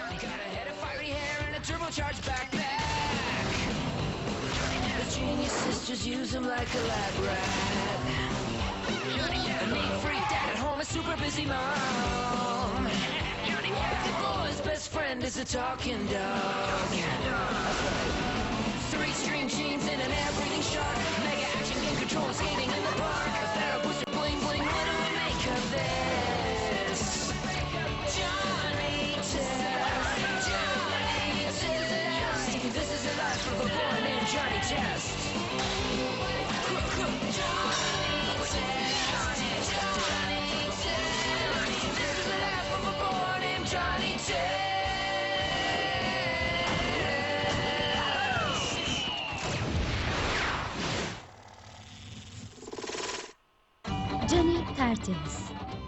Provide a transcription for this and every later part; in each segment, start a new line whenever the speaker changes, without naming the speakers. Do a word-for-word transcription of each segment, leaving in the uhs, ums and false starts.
Got a head of fiery hair and a turbocharged backpack. The genius sisters use him like a lab rat. The neat freak dad at home, a super busy mom. The boy's best friend is a talking dog. Three string jeans and an air breathing shark. Mega action game control skating in the park. A Pharaoh booster bling bling. What do we make of this? Johnny Test. Johnny Test. This is the life of a boy named Johnny Test. Johnny Test. Johnny Test. This is the life of a boy named Johnny Test.
Johnny tertemiz.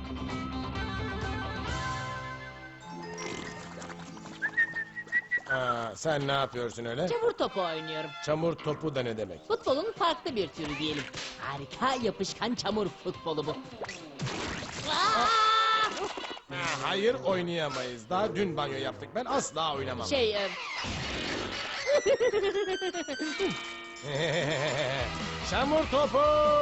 Aa, sen ne yapıyorsun öyle?
Çamur topu oynuyorum.
Çamur topu da ne demek?
Futbolun farklı bir türü diyelim. Harika yapışkan çamur futbolu bu. Aa!
Ha, hayır oynayamayız. Daha dün banyo yaptık. Ben asla oynamam.
Şey, e,
Çamur topu!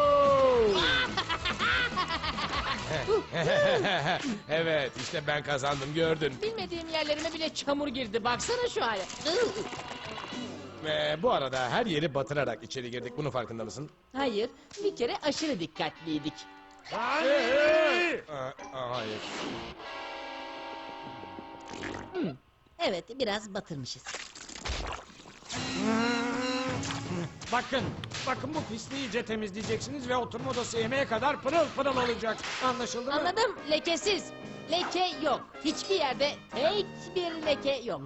Evet işte ben kazandım gördün.
bilmediğim yerlerime bile çamur girdi. Baksana şu hale.
Ve bu arada her yeri batırarak içeri girdik. Bunun farkında mısın?
Hayır, bir kere aşırı dikkatliydik.
Aa, aa, hayır.
Evet, biraz batırmışız.
Bakın, bakın bu pisliği iyice temizleyeceksiniz ve oturma odası yemeğe kadar pırıl pırıl olacak. Anlaşıldı mı?
Anladım, lekesiz. Leke yok. Hiçbir yerde tek bir leke yok.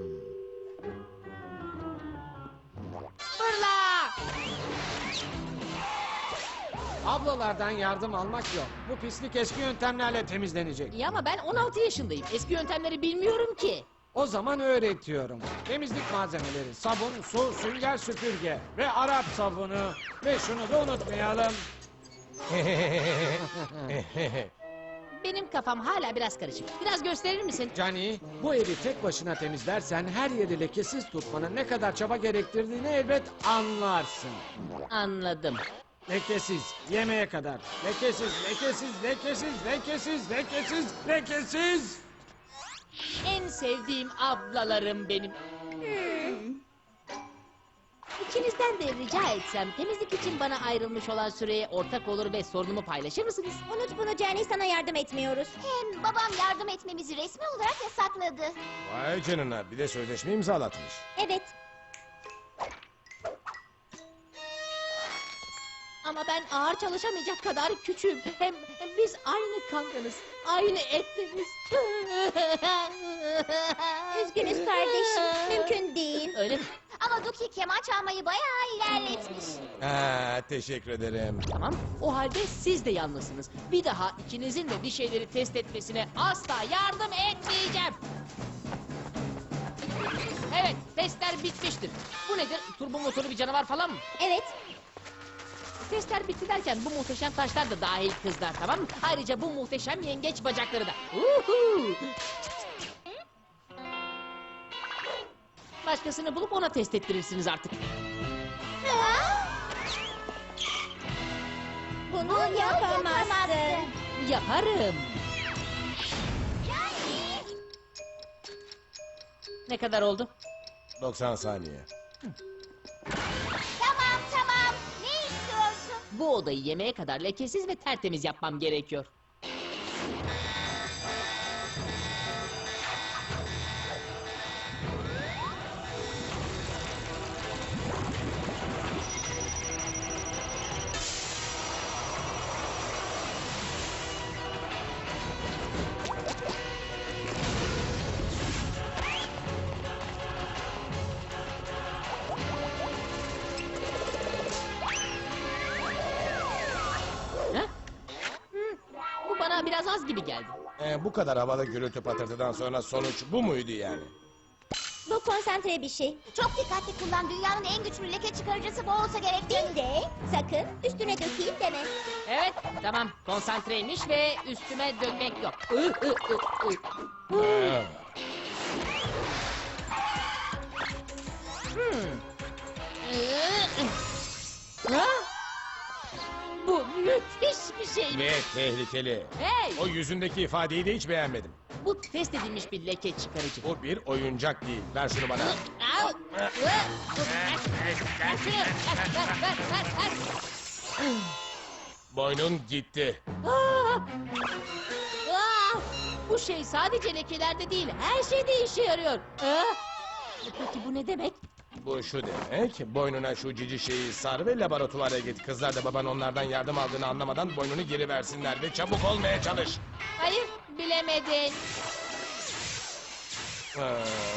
Fırla!
Ablalardan yardım almak yok. Bu pislik eski yöntemlerle temizlenecek.
İyi ama ben on altı yaşındayım. Eski yöntemleri bilmiyorum ki.
O zaman öğretiyorum. Temizlik malzemeleri, sabun, su, sünger süpürge ve Arap sabunu. Ve şunu da unutmayalım.
Benim kafam hala biraz karışık. Biraz gösterir misin?
Cani, bu evi tek başına temizlersen her yeri lekesiz tutmanın ne kadar çaba gerektirdiğini elbet anlarsın.
Anladım.
Lekesiz, yemeğe kadar. Lekesiz, lekesiz, lekesiz, lekesiz, lekesiz, lekesiz.
En sevdiğim ablalarım benim. İkinizden de rica etsem temizlik için bana ayrılmış olan süreye ortak olur ve sorunumu paylaşır mısınız?
Unut bunu Johnny, sana yardım etmiyoruz.
Hem babam yardım etmemizi resmi olarak yasakladı.
Vay canına bir de sözleşme imzalatmış.
Evet.
Ama ben ağır çalışamayacak kadar küçüğüm. Hem, hem biz aynı kankanız, aynı etteniz.
Üzgünüz kardeşim. Mümkün değil.
Öyle mi?
Ama Duki keman çalmayı bayağı ilerletmiş.
Ha, teşekkür ederim.
Tamam, o halde siz de yalnızsınız. Bir daha ikinizin de bir şeyleri test etmesine asla yardım etmeyeceğim. Evet, testler bitmiştir. Bu nedir? Turbo motoru bir canavar falan mı?
Evet.
Testler bitti derken bu muhteşem taşlar da dahil kızlar, tamam mı? Ayrıca bu muhteşem yengeç bacakları da. Uhu! Başkasını bulup ona test ettirirsiniz artık.
Bunu yapamazsın.
Yaparım.
Yani
Ne kadar oldu?
doksan saniye.
tamam tamam. Ne istiyorsun?
Bu odayı yemeğe kadar lekesiz ve tertemiz yapmam gerekiyor. Ha? Hı, bu bana biraz az gibi geldi.
Ee, bu kadar havalı gürültü patırtıdan sonra sonuç bu muydu yani?
Bu konsantre bir şey.
Çok dikkatli kullan. Dünyanın en güçlü leke çıkarıcısı bu olsa gerek.
Değil de sakın üstüne dökeyim deme.
Evet, tamam. Konsantreymiş ve üstüme dönmek yok. Ih, ih, ih, ih.
Ha.
şey mi?
Ve tehlikeli.
Hey!
O yüzündeki ifadeyi de hiç beğenmedim.
Bu test edilmiş bir leke çıkarıcı.
Bu bir oyuncak değil. Ver şunu bana.
Au! Ver şunu! Ver, ver, ver, ver, ver.
Boynun gitti.
Aa! Aa! Bu şey sadece lekelerde değil, her şeyde işe yarıyor. Aa! Peki bu ne demek?
Bu şu demek. Boynuna şu cici şeyi sar ve laboratuvara git. Kızlar da baban onlardan yardım aldığını anlamadan boynunu geri versinler ve çabuk olmaya çalış.
Hayır, bilemedin.
Aa.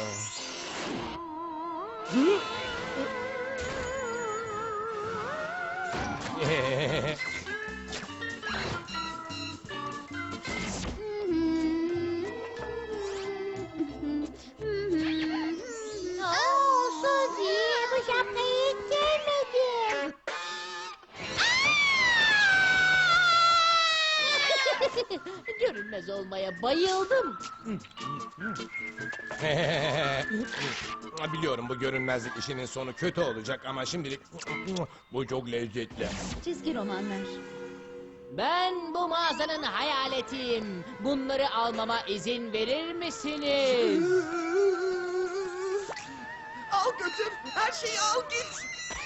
Oo, Suzy, bu şapkayı hiç sevmedim.
Görünmez olmaya bayıldım.
Biliyorum bu görünmezlik işinin sonu kötü olacak ama şimdilik bu çok lezzetli.
Çizgi romanlar.
Ben bu mağazanın hayaletiyim. Bunları almama izin verir misiniz?
Al götür. Her şeyi al git.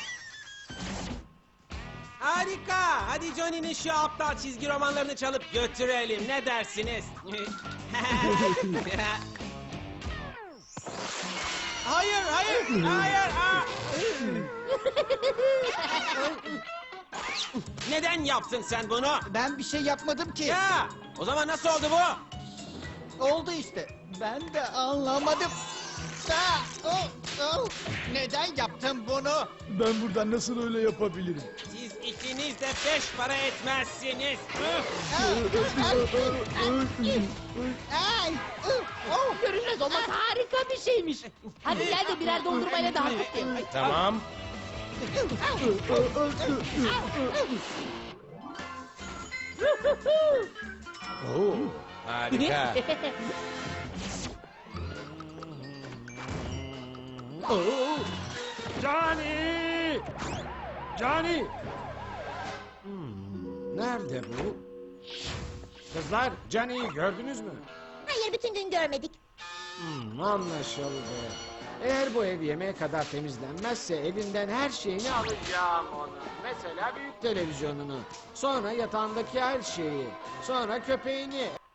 Harika! Hadi Johnny'nin şu aptal çizgi romanlarını çalıp götürelim. Ne dersiniz? hayır, hayır, hayır! aa! Neden yaptın sen bunu?
Ben bir şey yapmadım ki.
Ya! O zaman nasıl oldu bu?
Oldu işte. Ben de anlamadım. Aa, oh, oh. Neden yaptın bunu?
Ben buradan nasıl öyle yapabilirim?
Siz ikiniz de beş para etmezsiniz.
Ay, oh, oh.
Görünmez olmak harika bir şeymiş. Hadi gel de birer dondurmayla daha kutlayalım.
Tamam. Oo, harika.
Oo! Johnny! Johnny! Hmm, nerede bu? Kızlar, Johnny'yi gördünüz mü?
Hayır, bütün gün görmedik.
Hmm, anlaşıldı. Eğer bu ev yemeğe kadar temizlenmezse elinden her şeyini alacağım onu. Mesela büyük televizyonunu. Sonra yatağındaki her şeyi. Sonra köpeğini.